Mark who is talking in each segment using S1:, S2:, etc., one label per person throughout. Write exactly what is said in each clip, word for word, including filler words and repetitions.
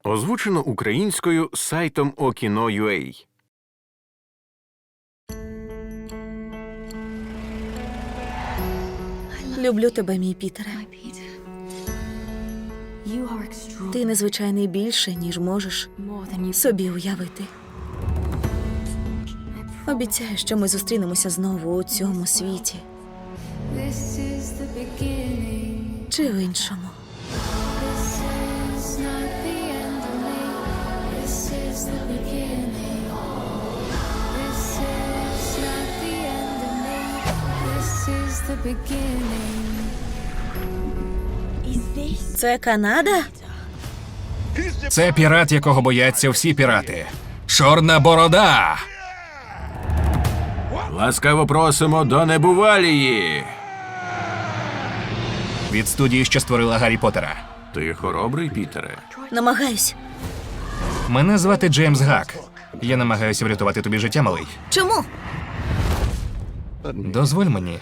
S1: Озвучено українською сайтом Okino крапка ю а.
S2: Люблю тебе, мій Пітере. Ти незвичайний більше, ніж можеш собі уявити. Обіцяю, що ми зустрінемося знову у цьому світі. Чи в іншому. Це Канада?
S3: Це пірат, якого бояться всі пірати. Чорна борода!
S1: Ласкаво просимо до Небувалії!
S3: Від студії, що створила Гаррі Поттера.
S1: Ти хоробрий, Пітере?
S2: Намагаюсь.
S3: Мене звати Джеймс Гак. Я намагаюся врятувати тобі життя, малий.
S2: Чому?
S3: Дозволь мені.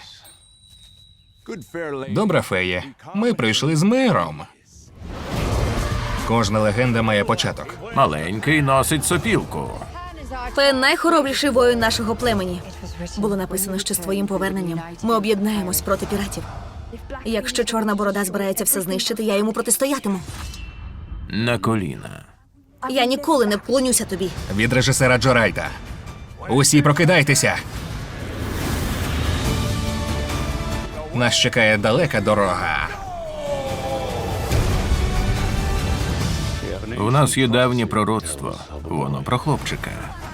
S3: Добра фея, ми прийшли з миром. Кожна легенда має початок.
S1: Маленький носить сопілку.
S2: Пен найхоробріший воїн нашого племені. Було написано, що з твоїм поверненням ми об'єднаємось проти піратів. Якщо Чорна борода збирається все знищити, я йому протистоятиму.
S1: На коліна.
S2: Я ніколи не вклонюся тобі.
S3: Від режисера Джо Райта. Усі прокидайтеся. Нас чекає далека дорога.
S1: У нас є давнє пророцтво. Воно про хлопчика.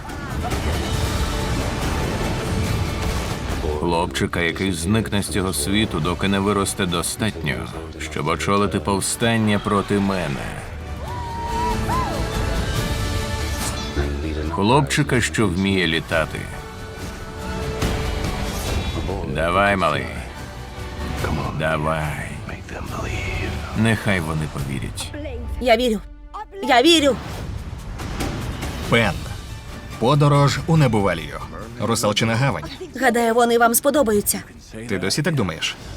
S1: Хлопчика, який зникне з цього світу, доки не виросте достатньо, щоб очолити повстання проти мене. Хлопчика, що вміє літати. Давай, малий. Давай. Нехай вони повірять.
S2: Я вірю. Я вірю.
S3: Пен. Подорож у Небувалію. Русалчина гавань.
S2: Гадаю, вони вам сподобаються.
S3: Ти досі так думаєш?